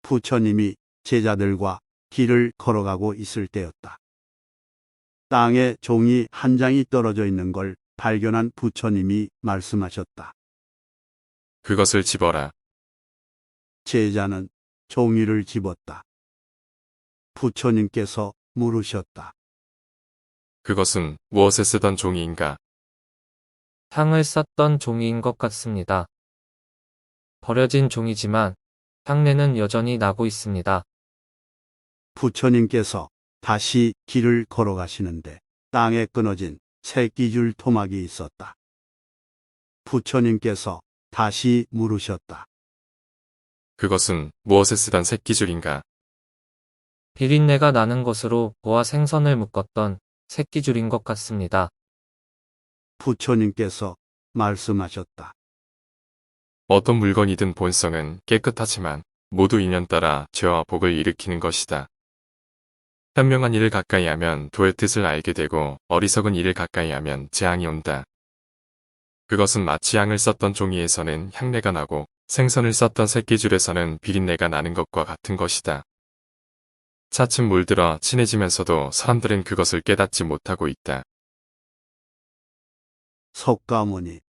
부처님이 제자들과 길을 걸어가고 있을 때였다. 땅에 종이 한 장이 떨어져 있는 걸 발견한 부처님이 말씀하셨다. 그것을 집어라. 제자는 종이를 집었다. 부처님께서 물으셨다. 그것은 무엇에 쓰던 종이인가? 향을 쌌던 종이인 것 같습니다. 버려진 종이지만 향내는 여전히 나고 있습니다. 부처님께서 다시 길을 걸어가시는데 땅에 끊어진 새끼줄 토막이 있었다. 부처님께서 다시 물으셨다. 그것은 무엇에 쓰던 새끼줄인가? 비린내가 나는 것으로 보아 생선을 묶었던 새끼줄인 것 같습니다. 부처님께서 말씀하셨다. 어떤 물건이든 본성은 깨끗하지만 모두 인연 따라 죄와 복을 일으키는 것이다. 현명한 일을 가까이 하면 도의 뜻을 알게 되고 어리석은 일을 가까이 하면 재앙이 온다. 그것은 마치 향을 썼던 종이에서는 향내가 나고 생선을 썼던 새끼줄에서는 비린내가 나는 것과 같은 것이다. 차츰 물들어 친해지면서도 사람들은 그것을 깨닫지 못하고 있다. 석가모니